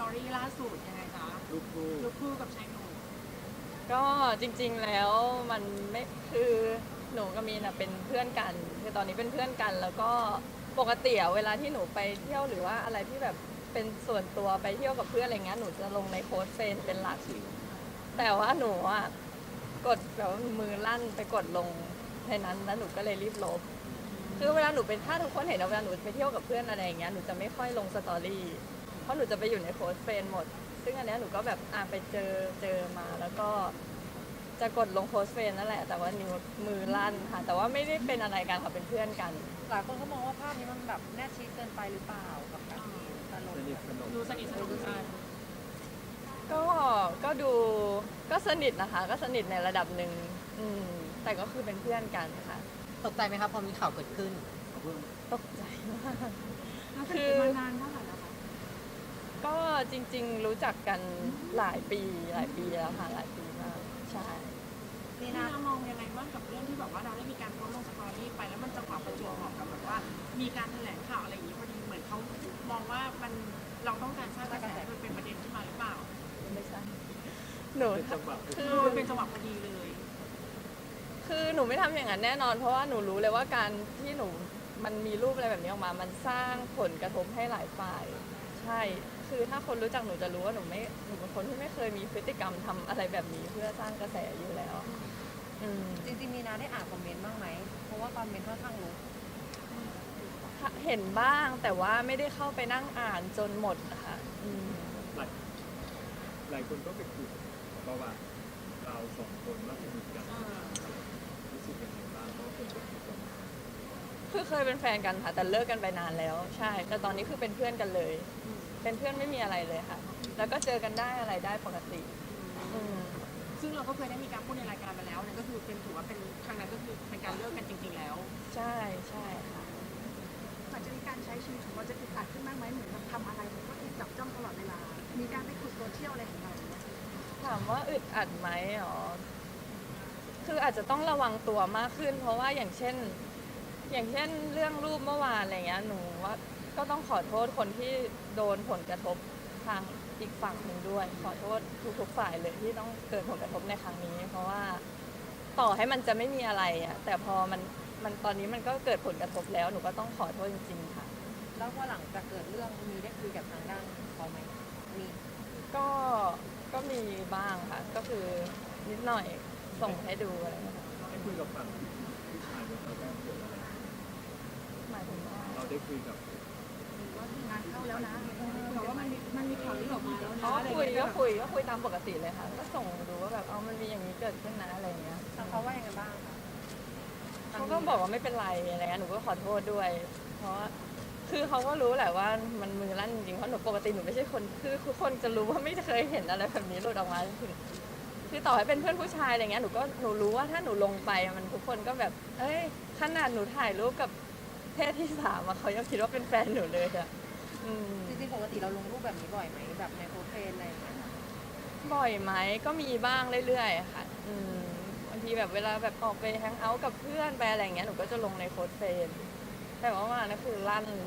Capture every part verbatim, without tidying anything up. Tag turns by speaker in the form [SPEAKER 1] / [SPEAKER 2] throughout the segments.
[SPEAKER 1] อรี่ล่าสุดยังไงคะ
[SPEAKER 2] ลูกคู่
[SPEAKER 1] ลูกคู่กับชายหนุ่ม
[SPEAKER 3] ก็จริงๆแล้วมันไม่คือหนูกับมีนอะเป็นเพื่อนกันคือตอนนี้เป็นเพื่อนกันแล้วก็ปกติอะเวลาที่หนูไปเที่ยวหรือว่าอะไรที่แบบเป็นส่วนตัวไปเที่ยวกับเพื่อนอะไรเงี้ยหนูจะลงในโค้ดเฟรนด์เป็นหลักแต่ว่าหนูอะกดแบบว่ามือลั่นไปกดลงในนั้นแล้วหนูก็เลยรีบลบคือเวลาหนูเป็นถ้าทุกคนเห็นเวลาหนูไปเที่ยวกับเพื่อนอะไรอย่างเงี้ยหนูจะไม่ค่อยลงสตอรี่เพราะหนูจะไปอยู่ในโค้ดเฟรนด์หมดซึ่งอันเนี้ยหนูก็แบบอ่ะไปเจอเจอมาแล้วก็จะกดลงโค้ดเฟรนด์นั่นแหละแต่ว่านิ้วมือลั่นค่ะแต่ว่าไม่ได้เป็นอะไรกันค่ะเป็นเพื่อนกัน
[SPEAKER 4] หลายคนเขามองว่าภาพนี้มันแบบแนบชิดเกินไปหรือเปล่ากับการที่ตลก
[SPEAKER 2] สนิทสนม
[SPEAKER 1] ดูสนิทสนมกัน
[SPEAKER 3] ก็ก็ดูก็สนิทนะคะก็สนิทในระดับหนึ่งอืมแต่ก็คือเป็นเพื่อนกันค่ะ
[SPEAKER 4] ตกใจไหมครับพอมีข่าวเกิดขึ้น
[SPEAKER 3] ตกใจมาก
[SPEAKER 1] เราสนิทกันมานานเท่าไหร่แล้วคะ
[SPEAKER 3] ก็จริงๆรู้จักกันหลายปีหลายปีแล้วค่ะหลายปีมากใช่
[SPEAKER 1] พี่นามองยังไงบ้างกับเรื่องที่แบบว่าเราได้มีการโพสต์ลงสตอรี่ไปแล้วมันจังหวะประจวบเหมาะกับแบบว่ามีการแถลงข่าวอะไรอย่างนี้พอดีเหมือนเขามองว่ามันเราต้องการสร้างกระแสมันเป็นประเด็นขึ้นมาหรือเปล่า
[SPEAKER 3] ไม่ใช่หนู
[SPEAKER 2] เป็นจังหวะ
[SPEAKER 3] คื
[SPEAKER 1] คือ
[SPEAKER 3] อ
[SPEAKER 1] มันเป็นจังหวะพอดีเลย
[SPEAKER 3] คือหนูไม่ทำอย่างนั้นแน่นอนเพราะว่าหนูรู้เลยว่าการที่หนูมันมีรูปอะไรแบบนี้ออกมา มันสร้างผลกระทบให้หลายฝ่าย ใช่ คือถ้าคนรู้จักหนูจะรู้ว่าหนูไม่หนูเป็นคนที่ไม่เคยมีพฤติกรรมทำอะไรแบบนี้เพื่อสร้างกระแสอยู่แล้ว อืม
[SPEAKER 4] จริงๆมีนาได้อ่านคอมเมนต์บ้างไหมเพราะว่าคอมเมนต์ค่อนข้างรู้
[SPEAKER 3] เห็นบ้างแต่ว่าไม่ได้เข้าไปนั่งอ่านจนหมดนะคะอืม
[SPEAKER 2] หลายหลายคนก็ไปขุดประวัติเราสองคนว่าสนิทกันรู้สึกยังไงบ้างเพราะว่าคนก็คิดว่า
[SPEAKER 3] คือเคยเป็นแฟนกันค่ะแต่เลิกกันไปนานแล้ว ใช่ แต่ตอนนี้คือเป็นเพื่อนกันเลย เป็นเพื่อนไม่มีอะไรเลยค่ะ แล้วก็เจอกันได้อะไรได้ปกติอืม
[SPEAKER 1] ซึ่งเราก็เคยได้มีการพูดในรายการมาแล้วนั่นก็คือเป็นถือว่าเป็นครั้งนั้นก็คือเป็นการเลิกกันจริงๆแล้ว
[SPEAKER 3] ใช่ใช่ค่ะ
[SPEAKER 5] หลังจากนี้การใช้ชีวิตของเราจะอึดอัดขึ้นบ้างไหมเหมือนแบบทำอะไรมันก็ถูกจับจ้องตลอดเวลา มีการไปขุดโซเชียลอะไรของเราเนี่ย
[SPEAKER 3] ถามว่าอึดอัดไหมอ๋อ คืออาจจะต้องระวังตัวมากขึ้น เพราะว่าอย่างเช่น อย่างเช่นเรื่องรูปเมื่อวานอะไรเงี้ย หนูว่าก็ต้องขอโทษคนที่โดนผลกระทบทางอีกฝั่งหนึ่งด้วย ขอโทษทุกๆฝ่ายเลยที่ต้องเกิดผลกระทบในครั้งนี้ เพราะว่าต่อให้มันจะไม่มีอะไรอ่ะ แต่พอมันมันตอนนี้มันก็เกิดผลกระทบแล้ว หนูก็ต้องขอโทษจริงๆค่ะ
[SPEAKER 4] แล้วพอหลังจากเกิดเรื่องมีได้คุยกับทางด้านเขาไหมมี
[SPEAKER 3] ก็ก็มีบ้างค่ะ ก็คือนิดหน่อยส่งให้ดูอะไรอย่างเงี้ยค่ะ
[SPEAKER 2] ได้คุยกับฝั่งผู้ชายว่าเขาได้เกิดอะไร
[SPEAKER 3] หมายถึงว่า
[SPEAKER 2] เราได้คุยกับ
[SPEAKER 5] ว่างานเข้าแล้วนะแต่ว่ามันมีมันมีข่าวลือออกมาแล้วนะ
[SPEAKER 3] อ๋อคุยก็คุยก็คุยตามปกติเลยค่ะ ก็ส่งดูว่าแบบเอามันมีอย่างนี้เกิดขึ้นนะอะไรอย่างเงี้ย
[SPEAKER 4] ทางเขาว่ายังไงบ้างคะ
[SPEAKER 3] เขาก็บอกว่าไม่เป็นไรอะไรเงี้ยหนูก็ขอโทษด้วย เพราะว่าคือเขาก็รู้แหละว่ามันมือลั่นจริงๆเพราะหนูปกติหนูไม่ใช่คนคือทุกคนจะรู้ว่าไม่เคยเห็นอะไรแบบนี้หลุดออกมาคือคือต่อให้เป็นเพื่อนผู้ชายอะไรเงี้ยหนูก็หนูรู้ว่าถ้าหนูลงไปมันทุกคนก็แบบ เอ้ยขนาดหนูถ่ายรูปกับเพศที่สามอะเขายังคิดว่าเป็นแฟนหนูเลยอะอืม
[SPEAKER 4] จริงๆปกติเราลงรูปแบบนี้บ่อยไหมแบบในโพสเฟนอะไรอย่างเงี้ยค่ะ
[SPEAKER 3] บ่อยไหมก็มีบ้างเรื่อยๆค่ะอืมบางทีแบบเวลาแบบออกไปแฮงเอาท์กับเพื่อนไปอะไรอย่างเงี้ยหนูก็จะลงในโค้ดเฟรนด์แต่ว่ามานะคือลั่นเลย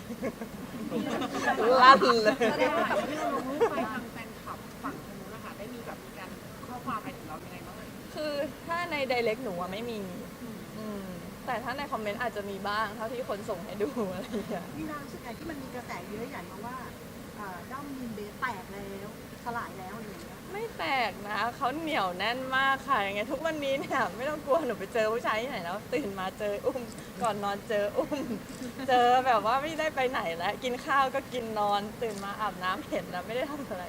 [SPEAKER 3] ลั่นเลย
[SPEAKER 1] แสดงว่าแบบที่เราลงรูปไปทางแฟนคลับฝั่งทางนู้นนะคะได้มีแบบมีการข้อความอะไรถึงเรายังไงบ้างไหม
[SPEAKER 3] คือถ้าใน direct หนูอะไม่มีอืมแต่ถ้าในคอมเมนต์อาจจะมีบ้างเท่าที่คนส่งให้ดูอะไรอย่างเงี้ย
[SPEAKER 5] มีนางรู้สึกไงที่มันมีกระแสเยอะใหญ่มาว่าเอ่อด้อมมินเบสแตกแล้วสลายแล้วอะไรอย่างเงี้ย
[SPEAKER 3] ไม่แปลกนะเขาเหนียวแน่นมากค่ะยังไงทุกวันนี้เนี่ยไม่ต้องกลัวหนูไปเจอผู้ชายที่ไหนแล้วตื่นมาเจออุ้มก่อนนอนเจออุ้มเจอแบบว่าไม่ได้ไปไหนแล้วกินข้าวก็กินนอนตื่นมาอาบน้ำเห็นแล้วไม่ได้ทำอะไร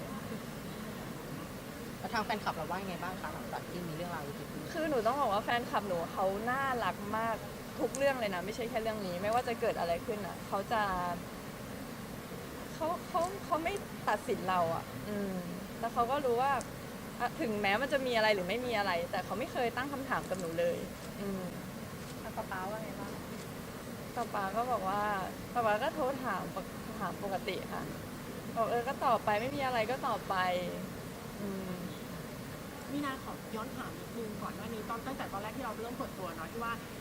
[SPEAKER 4] แล้วทางแฟนคลับเราว่ายังไงบ้างคะหลังจากที่มีเรื่องราวนี้เกิดขึ้น
[SPEAKER 3] คือหนูต้องบอกว่าแฟนคลับหนูเขาน่ารักมากทุกเรื่องเลยนะไม่ใช่แค่เรื่องนี้ ไม่ว่าจะเกิดอะไรขึ้นอ่ะเขาจะเขาเขาเขาไม่ตัดสินเราอ่ะ อืมแล้วเขาก็รู้ว่าอ่ะถึงแม้มันจะมีอะไรหรือไม่มีอะไร แต่เขาไม่เคยตั้งคำถามกับหนูเลย อืม
[SPEAKER 4] ทางป้าป้าว่าไงบ้าง
[SPEAKER 3] ป้าป๊าก็บอกว่าป้าป๊าก็โทรถามปกถามปกติค่ะบอกเออก็ตอบไปไม่มีอะไรก็ตอบไป อืม
[SPEAKER 1] มีนาขอย้อนถามนิดนึงก่อนหน้านี้ตอนตั้งแต่ตอนแรกที่เราเริ่มเปิดตัวเนาะที่ว่า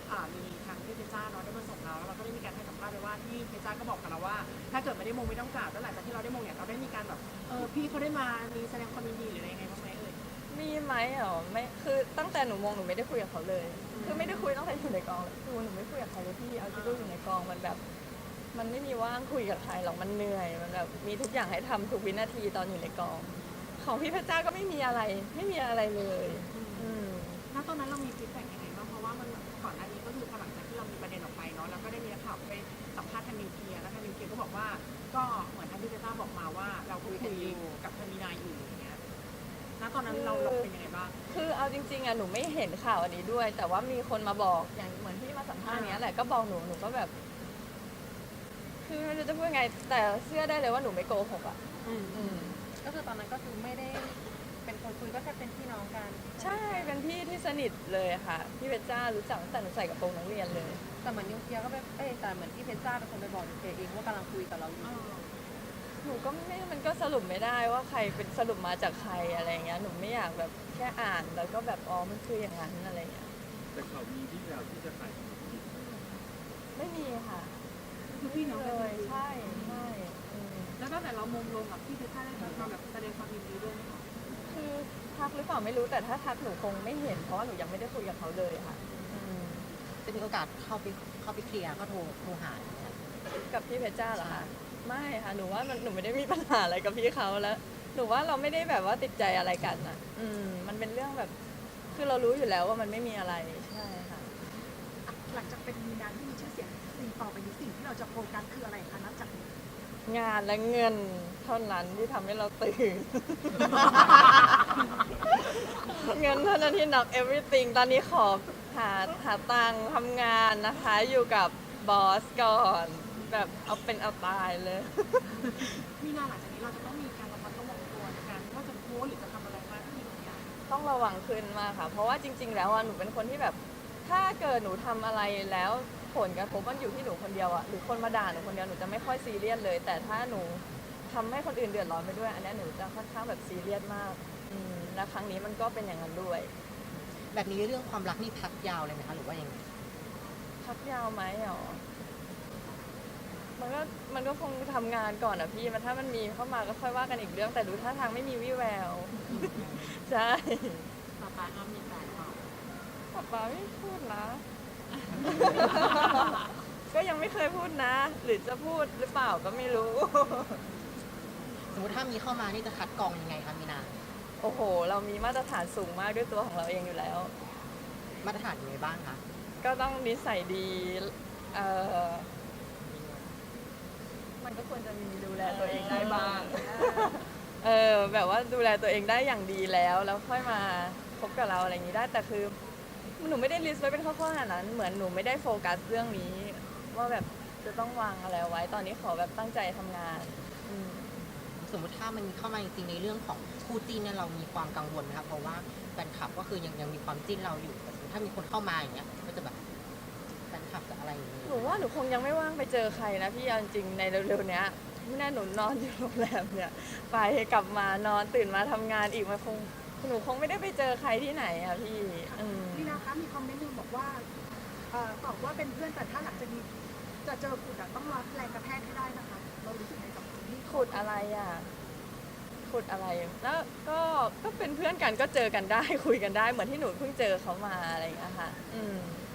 [SPEAKER 1] อ่ามีทางที่เพชรจ้าเนาะได้มาส่งเราแล้วเราก็ได้มีการให้สัมภาษณ์ไปว่าที่เพชรจ้าก็บอกกับเราว่า ถ้าเกิดไม่ได้มงไม่ต้องกราบแล้วหลังจากที่เราได้มงเนี่ยเราได้มีการแบบเออพี่เขาได้มามีแสดงความยินดีหรืออะไรยังไงบ้างไหมเอ่ย
[SPEAKER 3] มีไหมเหรอไม่คือตั้งแต่หนูมองหนูไม่ได้คุยกับเขาเลย คือไม่ได้คุยตั้งแต่อยู่ในกองเลยคือหนูไม่คุยกับใครเลยพี่เอาที่ลูกอยู่ในกองมันแบบ มันไม่มีว่างคุยกับใครหรอกมันเหนื่อยมันแบบมีทุกอย่างให้ทำทุกวินาทีตอนอยู่ในกอง ของพี่เพชรจ้าก็ไม่มีอะไรไม่มีอะไรเลย อืม
[SPEAKER 1] ณตอนนั้นเรามีฟีดแบ็กยังไงบ้างเพราะว่ามันก่อนหน้านี้ก็คือพอหลังจากที่เรามีประเด็นออกไปเนาะแล้วก็ได้มีนักข่าวไปสัมภาษณ์ทางนิวเคลียร์แล้วทางนิวเคลียร์ก็บอกว่าก็เหมือนทางที่เจต้าบอกมาว่าเราก็คุยกับทางมีนาอยู่อย่างเงี้ยณตอนนั้นเราเราเป็นยังไงบ้าง
[SPEAKER 3] คือเอาจริงๆอ่ะหนูไม่เห็นข่าวอันนี้ด้วย แต่ว่ามีคนมาบอกอย่างเหมือนที่มาสัมภาษณ์เนี้ยแหละก็บอกหนูหนูก็แบบ คือไม่รู้จะพูดไง แต่เชื่อได้เลยว่าหนูไม่โกหกอ่ะ
[SPEAKER 1] อืม
[SPEAKER 3] อืม
[SPEAKER 4] ก็คือตอนนั้นก็คือไม่ได้เป็นคนคุยก็แค่เป็นพี่น้องกัน
[SPEAKER 3] ใช่เป็นพี่ที่สนิทเลยค่ะพี่เพชรจ้ารู้จักตั้งแต่หนูใส่กระโปรงนักเรียนเลย
[SPEAKER 4] แต่เหมือนนิวเคลียร์ก็ไปเอ้ยแต่เหมือนที่เพชรจ้าเป็นคนไปบอกนิวเคลียร์เองว่ากำลังคุยกับเราอยู่
[SPEAKER 3] หนูก็ไม่มันก็สรุปไม่ได้ว่าใครเป็นสรุปมาจากใครอะไรเงี้ยหนูไม่อยากแบบแค่อ่านแล้วก็แบบอ๋อมันคืออย่างนั้นอะไรเงี้ย
[SPEAKER 2] แต่เขามีที่แล้วที่จะขายของกิน
[SPEAKER 3] ไม่มีค่ะ
[SPEAKER 5] คือพี่น้อง
[SPEAKER 3] เล
[SPEAKER 5] กัน
[SPEAKER 3] ยใช่ใช่อืม
[SPEAKER 1] แล้วตั้งแต่เรามงลงกับพี่เพชรจ้าได้มาแบบแสดงความยินดีด้วยไหมคะ
[SPEAKER 3] คือทักหรือเปล่าไม่รู้แต่ถ้าทักหนูคงไม่เห็นเพราะว่าหนูยังไม่ได้คุยกับเขาเลยค่ะอืม
[SPEAKER 6] จะมีโอกาสเข้าไปเข้าไปเคลียร์ก็โทรโทรหาอย่างเงี้ย
[SPEAKER 3] กับพี่เพชรจ้าเหรอคะไม่ค่ะหนูว่ามันหนูไม่ได้มีปัญหาอะไรกับพี่เขาแล้ว หนูว่าเราไม่ได้แบบว่าติดใจอะไรกันอ่ะ อืมมันเป็นเรื่องแบบ คือเรารู้อยู่แล้วว่ามันไม่มีอะไรใช่ค่ะ
[SPEAKER 5] หลังจากเป็นมีนาที่มีชื่อเสียงสิ่งต่อไปนี้สิ่งที่เราจะโฟกัสคืออะไรคะนับจากนี้
[SPEAKER 3] งานและเงินเท่านั้นที่ทำให้เราตื่น เงินเท่านั้นที่ knock everything ตอนนี้ขอหาหาตังค์ทำงานนะคะ อยู่กับบอสก่อน แบบเอาเป็นเอาตายเลย
[SPEAKER 1] มีนาหลังจากนี้เราจะต้องมีการระมัดระวังตัวในการว่าจะโพสต์หรือจะทำอะไรมากขึ้นอย่างเงี้ย
[SPEAKER 3] ต้องระวังขึ้นมากค่ะ เพราะว่าจริง ๆ แล้วอะหนูเป็นคนที่แบบ ถ้าเกิดหนูทำอะไรแล้วผลกระทบมันอยู่ที่หนูคนเดียวอะหรือคนมาด่าหนูคนเดียวหนูจะไม่ค่อยซีเรียสเลย แต่ถ้าหนูทำให้คนอื่นเดือดร้อนไปด้วย อันนี้หนูจะค่อนข้างแบบซีเรียสมากอืมและครั้งนี้มันก็เป็นอย่างนั้นด้วย
[SPEAKER 6] แบบนี้เรื่องความรักนี่พักยาวเลยไหมคะหรือว่ายังไง
[SPEAKER 3] พักยาวไหมหรอ มันก็มันก็คงทำงานก่อนอะพี่มันถ้ามันมีเข้ามาก็ค่อยว่ากันอีกเรื่อง แต่ดูท่าทางไม่มีวี่แวว ใช่
[SPEAKER 1] ต่อไปอ้ามีแฟนเปล่า
[SPEAKER 3] ป๊าป๊าไม่พูดนะ ก็ยังไม่เคยพูดนะ หรือจะพูดหรือเปล่าก็ไม่รู้
[SPEAKER 6] สมมติถ้ามีเข้ามานี่จะคัดกรองยังไงคะมีนา
[SPEAKER 3] โอ้โห เรามีมาตรฐานสูงมากด้วยตัวของเราเองอยู่แล้ว
[SPEAKER 6] มาตรฐานยังไงบ้างคะ
[SPEAKER 3] ก็ต้องนิสัยดี เออมันก็ควรจะมีดูแลตัวเองได้บ้าง เออแบบว่าดูแลตัวเองได้อย่างดีแล้ว แล้วค่อยมาคบกับเราอะไรอย่างนี้ได้ แต่คือหนูไม่ได้ลิสต์ไว้เป็นข้อๆขนาดนั้น เหมือนหนูไม่ได้โฟกัสเรื่องนี้ ว่าแบบจะต้องวางอะไรไว้ ตอนนี้ขอแบบตั้งใจทำงานอืม
[SPEAKER 6] สมมติถ้ามันมีเข้ามาจริงๆในเรื่องของคู่จิ้นเนี่ยเรามีความกังวลไหมคะเพราะว่าแฟนคลับก็คือยังยังมีความจิ้นเราอยู่แต่สมมติถ้ามีคนเข้ามาอย่างเงี้ยก็จะแบบแฟนคลับจะอะไรอย่างเงี้ย
[SPEAKER 3] หนูว่าหนูคงยังไม่ว่างไปเจอใครนะพี่เอาจริงๆในเร็วๆเนี้ยไม่แน่หนูนอนอยู่โรงแรมเนี่ยไปกลับมานอนตื่นมาทำงานอีกมันคงหนูคงไม่ได้ไปเจอใครที่ไหนอะพี่อืม
[SPEAKER 5] มีนะคะมีคอมเมนต์หนึงบอกว่าเอ่อตอบว่าเป็นเพื่อนแต่ถ้าหลังจากนี้จะเจอขุดอะต้องรับแรงกระแทกให้ได้นะคะเรารู้สึกไงกับคนที่
[SPEAKER 3] ขุดอะไรอ่ะขุดอะไรแล้วก็ก็เป็นเพื่อนกันก็เจอกันได้ คุยกันได้เหมือนที่หนูเพิ่งเจอเขามาอะไรอย่างเงี้ยค่ะอืม